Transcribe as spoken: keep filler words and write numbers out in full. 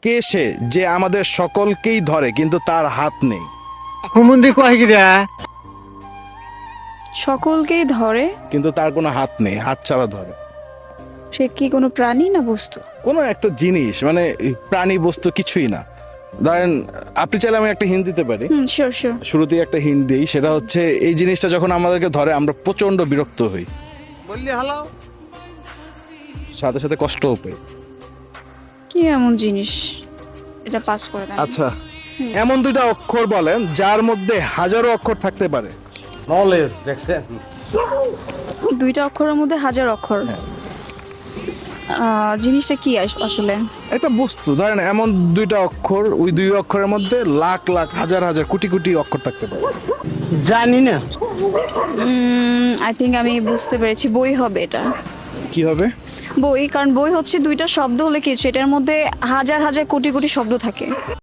কে সে যে আমাদের সকলকেই ধরে কিন্তু তার হাত নেই? হুমুন্দি কয় গিরা সকলকেই ধরে, কিন্তু তার কোনো হাত নেই, হাত ছাড়া ধরে। সে কি কোনো প্রাণী না বস্তু? কোনো একটা জিনিস, মানে প্রাণী বস্তু কিছুই না। ধরেন আপনি চাইলে আমি একটা হিন্ট দিতে পারি, হুম, শিওর শিওর। শুরুতেই একটা হিন্ট দিই, সেটা হচ্ছে এই জিনিসটা যখন আমাদেরকে ধরে আমরা প্রচন্ড বিরক্ত হই, বললি হালাও সাথে সাথে কষ্টও পাই। কি এমন জিনিস? এটা পাস করে দেন। আচ্ছা, এমন দুইটা অক্ষর বলেন যার মধ্যে হাজারো অক্ষর থাকতে পারে। নলেজ দেখছেন দুইটা অক্ষরের মধ্যে হাজার অক্ষর। হ্যাঁ। আহ, জিনিসটা কি আস- আসলে? একটা বস্তু, ধরেন এমন দুইটা অক্ষর, ওই দুই অক্ষরের মধ্যে লাখ লাখ হাজার হাজার কোটি কোটি অক্ষর থাকতে পারে। জানি না আই থিঙ্ক আমি বুঝতে পেরেছি, বই হবে এটা। কি হবে? বই, কারণ বই হচ্ছে দুইটা শব্দ হলে কিছু, এটার মধ্যে হাজার হাজার কোটি কোটি শব্দ থাকে।